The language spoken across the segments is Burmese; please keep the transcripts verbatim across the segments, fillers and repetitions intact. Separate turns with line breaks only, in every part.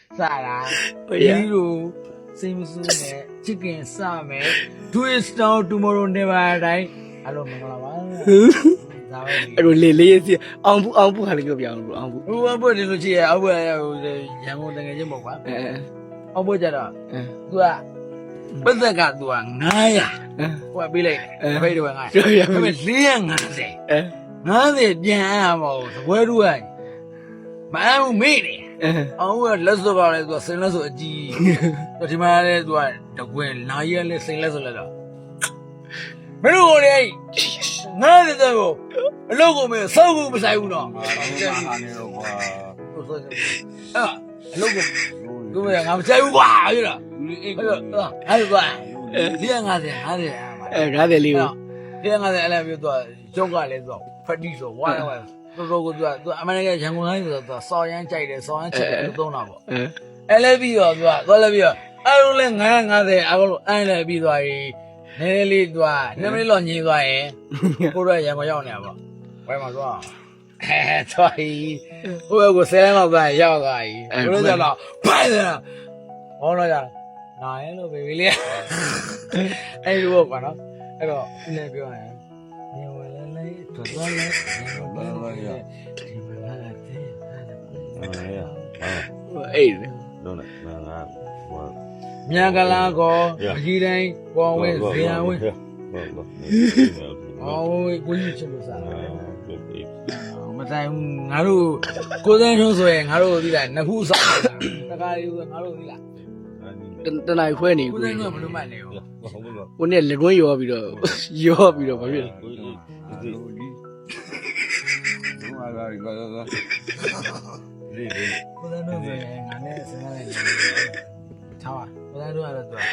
Sara, you same soon, chicken, some, twist out tomorrow never die. Hello, I
don't lazy. Ambu Ambu had a go beyond Ambu.
Who will put it here? I will young than a jimbo. Oh, what are you? But the got one. Naya. What be late? Wait a minute. I'm a seeing, I say. Nothing, jam. Where do I? My own meaning. Oh, let's go about it was singles of G. But you might what the wind now you're listening less a little. But only none of a logo me, so was I would not. Ah, logo. Go ahead, I'm saying, wow, you know. I was young as a had
rather leave.
Young as I love you to Joga, Fadiso, whatever. Go to American Jango, saw and child, saw and child, don't know. I love you, I love you. I will hang out there. I will I be the Nelly Dwa, never long you die. Who I am a young never. Where am I going? Try. Who will say about that young guy? Who is that? By oh no, yeah. No, hello, baby. I walk on. Hello, never go.
Eight.
Nyagalago, Gidai, always there with. Oh, we used to but I'm Haru, Kodan Swing, Haru, Nahusa, Haru.
Then I when you
couldn't know the money.
When you're going, you are you are you
Tower, but I do have a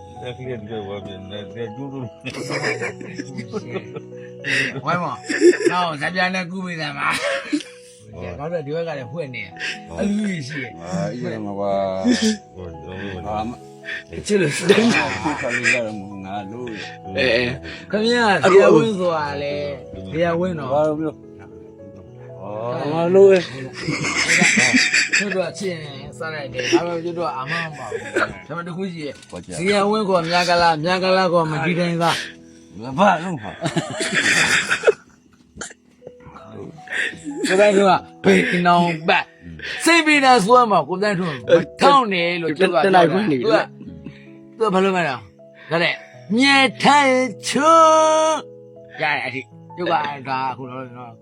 Why more? No, Sabiana Gumi them. Now that you got a winning. I really see it. Come here, dear Winzo, dear Winno. Oh, Louis. You do a chin, Saturday. How will you do a mama? Some of the Guji. See, I will go Nagala, Nagala, or Madrid. So that you are picking on back. Saving us one more, go down to Tony, look at the life when you are. The Palomero. Got it. Nye Tai Chu. Yeah, you got a who don't know.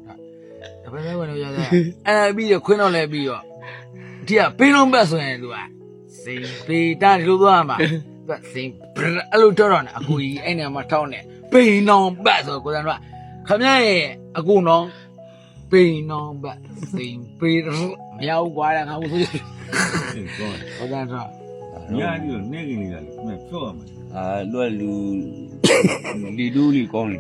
I be a queen on a bio. Dear, pin on Basso and do I. Sing, be done to Lama. But sing, a little on a good any of my town. Pin on Basso, good and right. Come here, a good no. Pin on back. Sing, Peter, meow, while and I was it. Oh, that's right.
Yeah, you're making it. Ah, well, you do calling.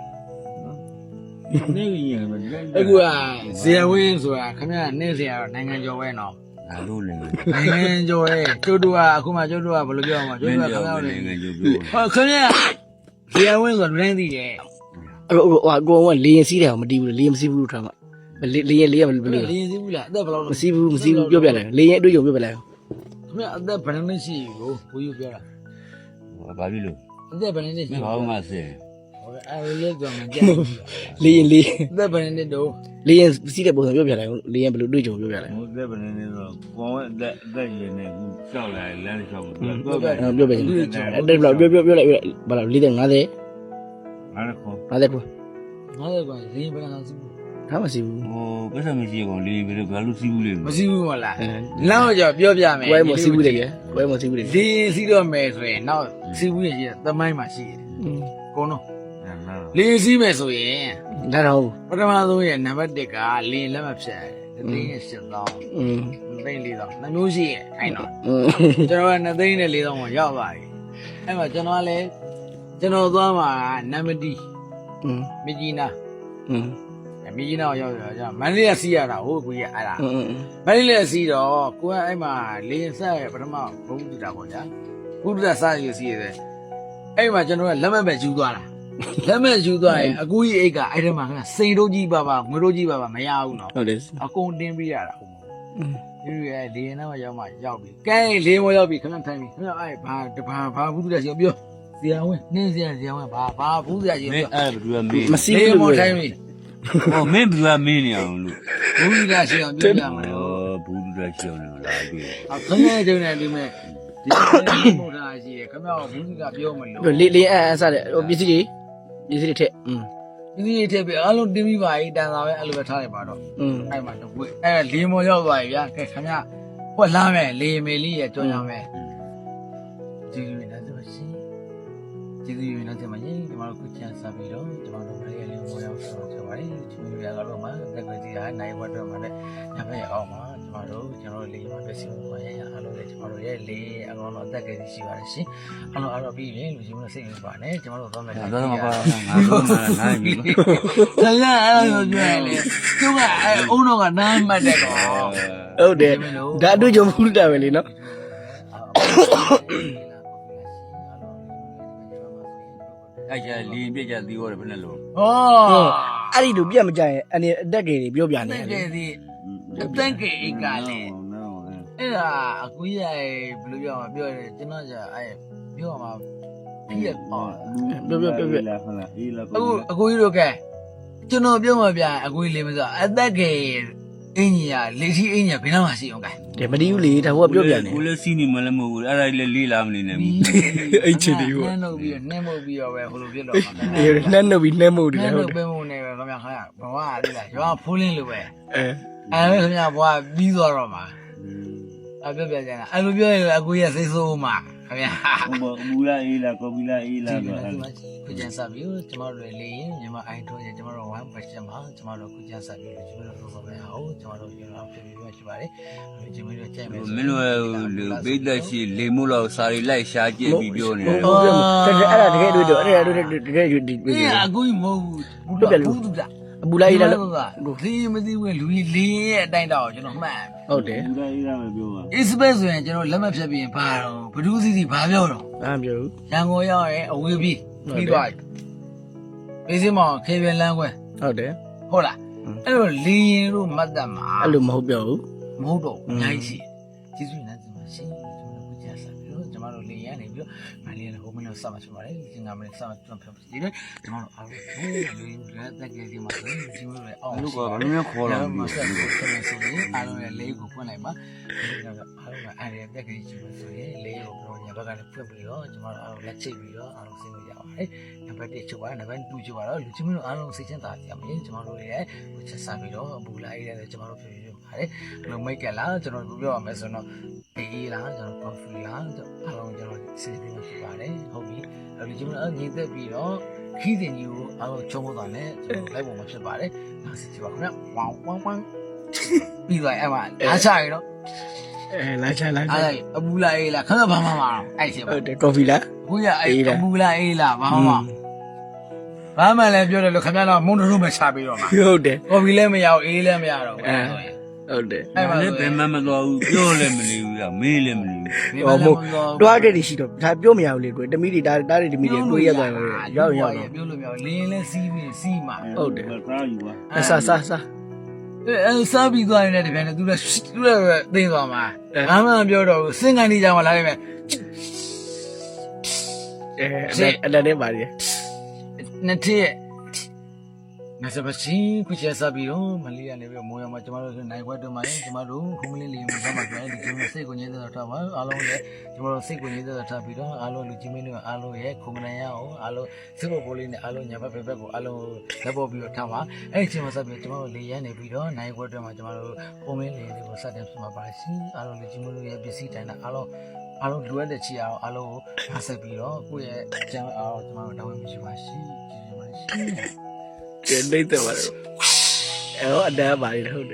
Aku ah, siapa yang suka? Kami ni siapa? Nengen Jawa no.
Aduh,
nengen Jawa. Jodoh aku mah jodoh apa lu jual mah jodoh kami ni. Oh, kami siapa yang suka nengen dia?
Wah, gua wan lian sih dah, mesti lian mesti bulu sama. Lian lian bulu.
Lian sih bulu. Dah kalau
mesti bulu mesti bulu jual berapa? Lian itu jual berapa?
Kami ada panen sih, oh, kuyu berapa?
Apa dulu?
Ada panen sih.
Mau masih.
Lian lian.
Dah panen itu.
Lian sih dah boleh jual berapa? Lian bulu itu jual berapa?
Dah panen itu. Kau dah dah ini jual lah, lain jual.
Jual berapa? Ada berapa? Jual jual jual berapa? Lian ada?
Ada kau.
Ada kau.
Ada kau. Lian berapa nasi?
Apa sih?
Oh, kenapa mesti kau lian berapa? Kalau sibuk lian.
Masih sibuk malah. Lalu je jual berapa?
Kau yang masih sibuk lagi? Kau yang masih sibuk lagi?
Lian sih dah mesra. Now sibuk je. Tamai masih. Kono. Lian sih mesra.
Dah tahu.
Pertama tu ya, nampak deka lian lama besar. Lian sedang. Lian lian. Namun sih, I know. Jangan nanti ni lian mau jawab lagi. Emang jangan le, jangan tu ama namadi. Mijina. Mijina jawab jawab. Mana sih ada? Oh, kuya ada. Mana sih dah? Kuya emang lian saya pertama baru dah kau ya. Baru dah saya sih ada. Emang jangan lama berjuang lah. Lama juga, aku ini eka, ada mana? Sendiri bapa, meroji bapa, maya aku no. Aku undang biar aku. ဒီရဲ့လေနာမရောက်မှရောက်ပြီကဲလေမရောက်ပြီခဏထိုင်ပြီခဏအဲ့ဘာတဘာဘာဘူးတူရရှိပြောဇေယဝင်းနင်းဇေယဇေယဝင်းဘာဘာဘူးရရှိ
မင်း
ပြော
အဲ့ဘယ်သူကမင်း
မစီး
လေ
ဘူး
မ
လို့
ထိုင်ပြီ
ဟောမင်းဘယ်သူကမင်းနေအောင်လို့
ဘူးရရှိအောင်ပြောပြမှာ
ဟောဘူးလူတက်ရှောင်းနေလားတွေ့
အခင်းရဲ့ကျုံနေဒီမဲ့ဒီမို့ထားရှိရခမရောဘူးကပြောမလို့
လေလေအဲအဲစတဲ့ဟိုပစ္စည်းတွေပစ္စည်းတွေထက်อืม
ဒီဒီထည့်ပြီးအားလုံးတင်းပြီးပါပြီတန်စာပဲအဲ့လိုပဲထားလိုက်ပါတော့
อืม
အဲ့မှာတော့ဝေးအဲ့လေမော်ရောက်သွားပြီဗျာကဲခမရဟွက်လာမယ်လေမေလေးရဲ့ကြောင်းရမယ်ကျေးဇူးတင်တယ်ဆိုရှင်ကျေးဇူးတင်တယ်ဆိုမှရင်ဒီမှာခုချန်စားပြီးတော့ဒီမှာတော့မလေးလေမော်ရောက်ဆိုတော့ပါတယ်ချူရကတော့မှတက်ကြည့်ရနိုင်ဘတ်တော့မှလည်းညဖက်အောင်မှာဒီမှာတော့ကျွန်တော်လေမှာပဲစီမံရရအားလုံးလည်းကျွန်တော်တို့ရဲ့လေအကောင်တော့တက်ကြည့်ရှိပါတယ်ရှင်အားလုံးအားတော့ပြီးရင်လူကြီးမျိုးစိတ်ဝင်ပါနဲ့ကျွန်တော်တို့သွားမယ်
ဒါတော့မပါငါတို့မှနိုင်ပြီ
ဆရာအဲ့လိုပြောရလေသူကအဲ့အုံတော့ကနားမှတ်တယ်ကော
ဟုတ်တယ်ဒါအတွေ့အကြုံဘူးတာပဲလေနော်
အဲ့ကျလင်းပြကြသေးရောဘယ်နဲ့လို့
ဟော
အဲ့ဒီလိုပြတ်မကြရင်အနေအတက်ကြီးတွေပြောပြနေ
တ
တယ်
ကယ်ဒီတန်ကေကလည်းအဲ့ဒါအကူကြီးဘယ်လိုပြောမှာပြောတယ်ကျွန်တော်じゃအဲ့ပြောမှာပြည့်အော်
ပြောပြောပြောပြောလာဟုတ်လားအေးလာ
အခုအကူကြီးတို့ကကျွန်တော်ပြောမှာပြအကူကြီးလေးမဆိုအသက်ကေအင်းကြီးကလေထီအင်းကြီးဘယ်နှမှာရှိအောင်ကဲ
တယ်မတီးဘူးလေဒါဟိုကပြောပြနေ
ကိုလည်းစီးနေမလည်းမဟုတ်ဘူးအဲ့ဒါလေးလေးလာမနေနဲ့ဘူး
အဲ့ချစ်တွေဟို
နှမ်းလို့ပြီးနှမ်းမှုပြီးတော့ပဲဟိုလိုပြတော့မှာ
အေးနှမ်းနှုတ်ပြီးနှမ်းမှုတယ်
နှမ်း
ဟု
လို့
တ်တယ်
ပဲမှုနေပဲခင်ဗျာခင်ဗျာဘဝလေးလားရွာဖိုးလင်းလိုပဲ
အဲ
အဲ့ဒါခင်ဗျာဘဝပြီးသွားတော့မှာအဲ့ပြောပြကြတာအဲ့လိုပြောရင်အကူကြီးစိတ်ဆိုးမှာခင်ဗျာ
ဟိုမူလာအေးလာကော်ပီလာအေးလာ
ဒီ
တော့
မှာခုကျန်စားပြီးကျမတို့လေရင်ညီမအိုင်ထိုးရင်ကျမတို့ဝမ်းပတ်ချက်မှာကျမတို့ခုကျန်စားပြီးကျမတို့တော့ပဲအောင်ကျမတို့ရအောင်ဖြစ်ပြီးမှရှိပါတယ်အဲ့ကျမတို့ကြိုက်မယ်
မင်းတို့လူပိတ်သက်ရှိလေမို့လို့စာရီလိုက်ရှာကြည့်ပြီးပြောနေတယ်
ဟုတ်ပြောတယ်အဲ့ဒါတကယ်တွေ့တော့အဲ့ဒါတွေ့တကယ်တွေ့ဒီ
အေးအကူကြီးမဟုတ်ဘူးဘူးတူတာ
အပူလိုက်လာလို့
ဒီမသိဘူးလူကြီးလေးရဲ့အတိုင်းတော့ကျွန်တော်မှတ်
ဟုတ်တယ်
မူလာအေးလာမပြောပါ
အစ်စပက်ဆိုရင်ကျွန်တော်လက်မဖြတ်ပြီးရင်ဘာတော့ဘဒူးစီစီဘာပြောတော့
အားပြောဘူး
ရန်ကုန်ရောက်ရင်အဝေးပြီးပြီးသွားပြီပေးစမောင်ခေပြန်လန်းခွဲ
ဟုတ်တယ်
ဟုတ်လားအဲ့လိုလင်းရင်တို့မတ်တက်မှာ
အဲ့လိုမဟုတ်ပြောဘူး
မဟုတ်တော့အများကြီးရှိကျေးဇူးတင်တယ်ဒီမှာရှင်ကျွန်တော်တို့ကြားစားပြီးတော့ကျွန်တော်တို့လင်းရနေပြီးတော့မလေးရဟိုမင်းတို့စမှဖြစ်ပါတယ်ဒီငါမလေးစမှကျွန်တော်ဖြစ်ပြီးတော့ကျွန်တော်တို့အားလုံးဟိုးလင်းလက်တက်ကလေးဒီမှာဆိုရင်ဒီလိုလေအောင်
လူကဘာလို့လဲခေါ်လာ
မ
မ
ဆက်
လဲ
ဘူးဆက်နေဆိုရင်အားလုံးရဲ့လေးကိုဖွင့်လိုက်ပါအားလုံးကအားရတက်ကလေးချင်းဆိုရင်လေးကိုပြောညာဘက်ကလည်းဖွင့်ပြီးတော့ကျွန်တော်တို့အားလုံးလက်ချိတ်ပြီးတော့အားလုံးဆင်းလို့ရပါတယ်နံပါတ်oneချုပ်ပါနံပါတ်twoချုပ်ပါတော့လူချင်းမတို့အားလုံးစိတ်ချမ်းသာကြပါမယ်ကျွန်တော်တို့ရဲ့ကိုချက်စားပြီးတော့ဘူလာရေးတယ်ကျွန်တော်တို့ဖြစ်ဖြစ်ပါတယ်ဘယ်လိုမိတ်ကလားကျွန်တော်ပြောရမယ်ဆိုတော့အေးလားကျွန်တော် coffee လားအားလုံးကျွန်တော်စီစဉ်ပြီးဖြစ်ပါတယ်ဟုတ်ပြီအဲ့ဒီကျွန်တော်ညီသက်ပြီးတော့ခီးတင်ကြီးကိုအားလုံးချုံဖို့သွားတယ်ကျွန်တော်လိုက်ပုံမှာဖြစ်ပါတယ်ဒါစီကြပါခင်ဗျဝမ်ဝမ်ဝမ်ပြီးသွားအဲ့မှာအားချရတော့
အဲလာချလာချ
အဲ့အပူလာအေးလားခဏဘာမှမအောင်အဲ့ချက်ပါ
ဟုတ်တယ်ကော်ဖီလား
ခုရအဲ့အပူလာအေးလားဘာမှမဘာမှလည်းပြောတယ်လို့ခင်ဗျားတော့မုန်းတို့ပဲချပြီးတော့မှာ
ဟုတ်တယ်
ကော်ဖီလည်းမရအောင်အေးလည်းမရတော့ဘူးအဲ့ဆိုရင်
ဟုတ်တယ်
အဲ့မှာလည်းဘယ်မှမသွားဘူးပြောလည်းမနေဘူးကမေးလည်းမနေဘူး
ဟောမို့တွားတဲ့တွေရှိတော့ဒါပြောမရဘူးလေတွေ့တမီးတွေဒါတားတွေတမီးတွေတွေးရသွားတယ်ရောက်ရောက်တော့
ပြောလို့မရဘူးလင်းလည်းစီးပြီးစီးမှာ
ဟုတ်တယ်
ကားယူပါ
အဆာဆာဆာ
အဲစားပြီးသွားရင်လည်းတပြန်လည်းသူလည်းသူလည်းသိသွားမှာဘာမှမပြောတော့ဘူးစင်ကန်နေကြမှာလာလိုက်မယ်
အဲအဲ့ဒါနဲ့ပါလေ
နှစ်ထည့်ငါစပါချင်းခုချက်စားပြီးတော့မလေးရနေပြီးမိုးရမှာကျမတို့နိုင်ခွက်တော့မှလည်းကျမတို့ခုမလေးလေးမှာဆက်မှာပြန်ဒီကျမတို့စိတ်ကိုငြင်းသက်ထားပါအားလုံးလည်းကျမတို့စိတ်ကိုငြင်းသက်ထားပြီးတော့အားလုံးလူကြီးမင်းတွေအားလုံးရဲ့ခုမနိုင်ရအောင်အားလုံးစိတ်ပေါ်ပေါ်လေးနဲ့အားလုံးညာဘက်ဘက်ဘက်ကိုအားလုံးလက်ပေါ်ပြီးတော့ထားပါအဲ့ဒီချိန်မှာဆက်ပြီးကျမတို့လေးရနေပြီးတော့နိုင်ခွက်တော့မှကျမတို့ခုမလေးလေးတွေကိုစတင်ပြမှာပါရှင်အားလုံးလူကြီးမင်းတို့ရဲ့ပစ္စည်းတိုင်းနဲ့အားလုံးအားလုံးလိုအပ်တဲ့ချီအောင်အားလုံးကိုအားဆက်ပြီးတော့ကိုယ့်ရဲ့အကြောင်းအားကျမတို့တောင်းဝင်မရှိပါရှင်ကျေးဇူးပါရှင်
ကျန်နေတယ်ပါတော့အဲ့တော့အတန်းပါလေဟုတ်တယ်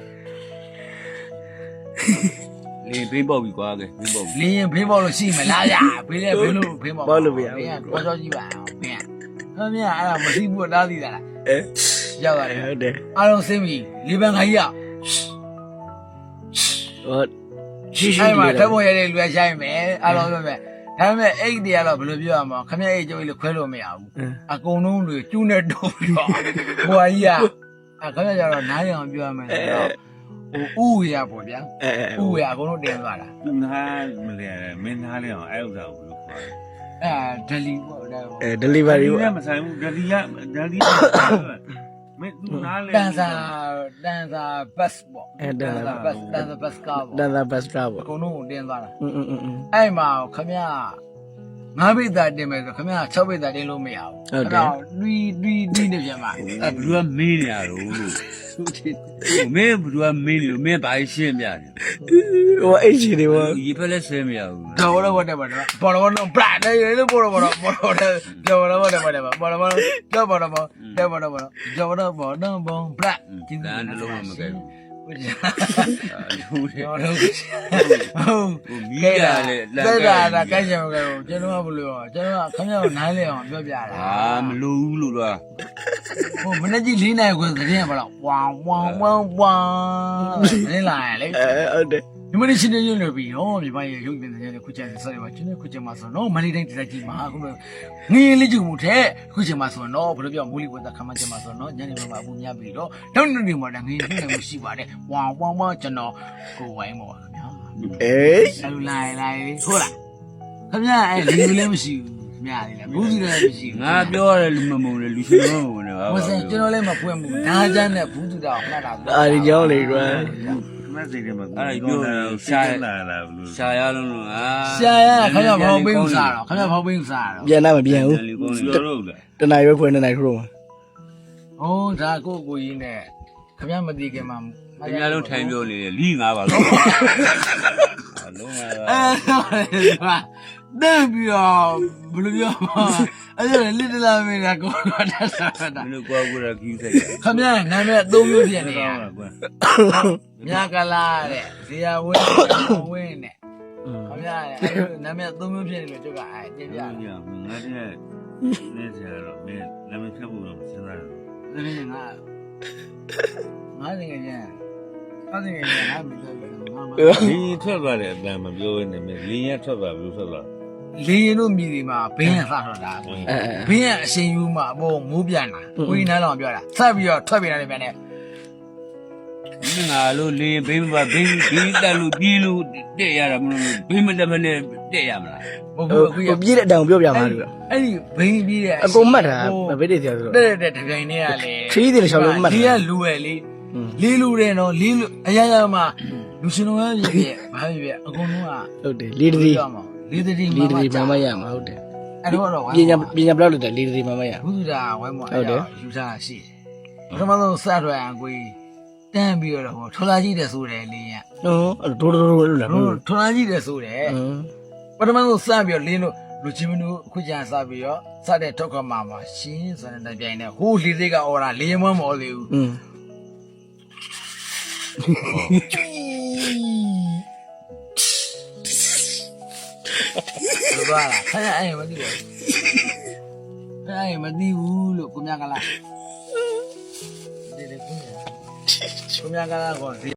လေဘေးပေါက်ပြီကွာကဲဘေးပေါက်ပြီ
လင်းရင်ဖေးပေါက်လို့ရှိမလားဗျာဖေးတယ်ဖေးလို့ဖေးပေါက်
ဘောလို့မရ
ဘ
ဘူး
ယ်ကကြောကြောကြီးပါအောင်ဘယ်ကဟမ်မြအဲ့ဒါမသိဘူးတားသိတာလား
အဲ
ရောက်သွားတယ်
ဟုတ်တယ်
အားလုံးစင်းပြီလေပန်ခိုင်းရ
ဟုတ်ရှိရှိ
အဲ့မှာထပ်ပေါ်ရတဲ့လူကရှိုင်းမယ်အားလုံးပြောမယ်ဒါပေမဲ့အိတ်တွေကတော့ဘယ်လိုပြောရမလဲခမရအိတ်ကျုပ်လေးခွဲလို့မရဘူးအကုန်လုံးတွေကျူးနေတော့ပြီးတော့ဘွာကြီးကအခမရကျတော့နားရအောင်ပြောရမယ်ဆိုတော့ဟိုဥရပေါ့ဗျာ
အဲအဲ
ဥရအကုန်လုံးတင်သွားတာ
သူနာမလဲမင်းသားလေးအောင်အဲ့ဥစ္စာကိုဘယ်လိုခေါ်လဲ
အဲဒလီပေါ့ဒါ
အဲ delivery
က
ပေါ့
မဆိုင်ဘူးဒလီကဒလီမင်းသူနားလေ
တန်စာတန်စာဘတ်ပေါ့တန်စာဘတ်တန်စာဘတ်ကားပေါ့
တန်တာဘတ်စတာပေါ့
အကုန်လုံးကိုတင်သွားတာ
อืมอืมอืม
အဲ့မှာခမရငါးပိတ်သားတင်မယ်ဆိုခမရ၆ပိတ်သားတင်လို့မရဘူးလူလူလူနေပြန်မှာ
အဲ့ဘလူကမင်းနေရတော့လို့မင်းဘလူကမင်းလို့မင်းဘာရှင်းပြတယ်
ဟိုအဲ့ချီတွေပေါ့
ရေဖက်လက်ဆဲမရဘူး
တော်တော့ဘာတယ်ဘာတယ်ဘောတော့ဘောတော့ပလာတယ်လေဘောတော့ဘောတော့ဘောတော့ကြော်တော့ဘာတယ်ဘာတယ်ဘောတော့ဘောကြော်ဘောတော့ဘောကြော်ဘောတော့ဘောကြော်တော့ဘောတော့ဘောပလာ
ကျင်းတဲ့လုံးဝမကဲဘူး
ဟုတ်
ဟုတ်တယ်
ဟုတ်ဟုတ်
မီးရလေ
လက်တာဒါကိုက်ချင်မကဲဘူးကျွန်တော်ကဘယ်လိုကျွန်တော်ကခမရကိုနိုင်လေအောင်ပြောပြတာ
အာမလိုဘူးလို့လား
ဟိုမနေ့ကြီး၄နိုင်ခွဲသတင်းပါတော့ဝမ်ဝမ်ဝမ်ဝမ်နင်းလာရလေ
အဲဟုတ်တယ်
ဒီမနေ့ရှင်နေရလို့ပြီးဟောမြန်မာရဲ့ရုပ်တင်တဲ့ခုချက်ဆက်ရပါကျွန်တော်ခုချက်မှာဆိုတော့မနေ့တိုင်းတက်ကြီးမှာအခုငင်းလေးကျုံမှုတဲ့ခုချက်မှာဆိုတော့ဘယ်လိုပြောမိုးလီဝတ်တာခမချက်မှာဆိုတော့ညနေမှာအပူများပြီးတော့နောက်နေ့နေ့မှာငင်းလေးလည်းရှိပါတယ်ဝမ်ဝမ်ဝမ်ကျွန်တော်ကိုဝိုင်းပါခင်ဗျာ
အေး
ဆလူလိုက်လိုက်ဟုတ်လားခင်ဗျာအဲ့လူလည်းမရှိဘူးခင်ဗျာလေဘူးစီလည်းမရှိဘူး
ငါပြောရတယ်လူမမုံလေလူရှင်မမုံလေဟာ
ဝစင်ကျွန်တော်လည်းမဖွင့်ဘူးဒါချမ်းနဲ့ဘူးတူတာမှတ်တာ
အာဒီကြောင်းလေကွာ
မစိတ်တယ်မှာအဲ့ပြောရှာလာလာဘလို့ရှာရလုံးလို့အာ
ရှာရခင်ဗျာဖောက်ပင်းစားတော့ခင်ဗျာဖောက်ပင်းစားတော့
ပြန်တော့မပြန်ဘူး
လူကောင်းပြောတော့လား
တနိုင်ပဲဖွင့်နေနိုင်ထိုးမှာ
ဟိုးဒါကိုကိုကြီးနဲ့ခင်ဗျာမသိခင်မှာ
အများလုံးထိုင်ပြောနေတယ်လီငါပါလို့အလုံးက
အဲဟာတဲ့ပြီးတော့ဘယ်လိုပြောအဲ့ဒါလစ်တလာမင်းကကိုတော့တက်တာတာ
ဘယ်လိုကွာကွာကြီးဆိုင်
ခင်ဗျာနာမည်အသုံးမျိုးဖြစ်နေရ
တာကွာ
မြကလာတဲ့ဇေယဝင်းဝင်းနဲ့ခင်ဗျာနာမည်အသုံးမျိုးဖြစ်နေလို့ကျုပ်ကအဲတင်ပြ
ငါတည်းနေစရာတော့မင်းလည်းမဖြစ်ဘူးတော့စဉ်းစားတယ်
တယ်ဒါနဲ့ငါငါတကယ်ကျန်အဲ့ဒီကငါမပြောဘူးငါမ
လင်းထွက်သွားတယ်အတန်မပြောနေမင်းလင်းရထွက်သွားဘူးထွက်သွား
လင်းရင်တို့မြည်ဒီမှာဘင်းရဆထွက်တာ
အဲအဲ
ဘင်းရအရှင်ယူမှာအပေါ်မိုးပြန်တာကိုကြီးနန်းတော်ပြောတာဆက်ပြီးတော့ထွက်ပြန်တယ်ပြန်တယ်
ငါလို့လင်းဘင်းမဘင်းဘင်းတက်လို့ပြေးလို့တက်ရတာမလို့ဘင်းမတက်မနဲ့တက်ရမလား
ဘုံ
ဟို
ဘုံ
ဟိုပြည့်တဲ့အတောင်ပြောပြမှာလို့
အဲ့ဒီဘင်းပြီးတဲ့အ
ကုန်မှတ်တာဗေးတွေတရားဆိုတော့
တဲ့တဲ့တပြိုင်တည်းကလေ
ခရီးတွေလျှောက်လို့မှတ်တာ
ဒီကလူပဲလေလေးလူတယ်နော်လေးလူအရာရာမှာလူရှင်တော်ရဲ့ပြည့်ဘာပြည့်အကုန်လုံးက
ဟုတ်တယ်လေးတရီ
လေးတတိ
လေးတရီမှမရမှာဟုတ်တယ်
အဲ့တော့တော့
ပညာပညာဘယ်လောက်လဲလေးတရီမှမရ
ဘုရားဝိုင်းမအဲ့တော့ယူထားရှိတယ်ပထမဆုံးစထွက်အောင်ကိုတန်းပြီးတော့ဟိုထော်လာကြည့်တယ်ဆိုတယ်လေးရ
နော်အဲ့ဒိုးဒိုးဒိုးလို့လား
ထော်လာကြည့်တယ်ဆိုတယ်ပထမဆုံးစပြီးတော့လင်းလို့လူချင်းမတို့အခုကျန်စပြီးတော့စတဲ့ထောက်ခမှာမှာရှင်းဆိုတဲ့ပြိုင်နဲ့ဟိုးလေးစိတ်ကအော်တာလေးမမော်သေးဘူး
อืม
လို့ပါလားခရအဲ့မသိဘူးအဲ့မသိဘူးလို့ကိုမြကလာဒီလေကိုမြကလာကော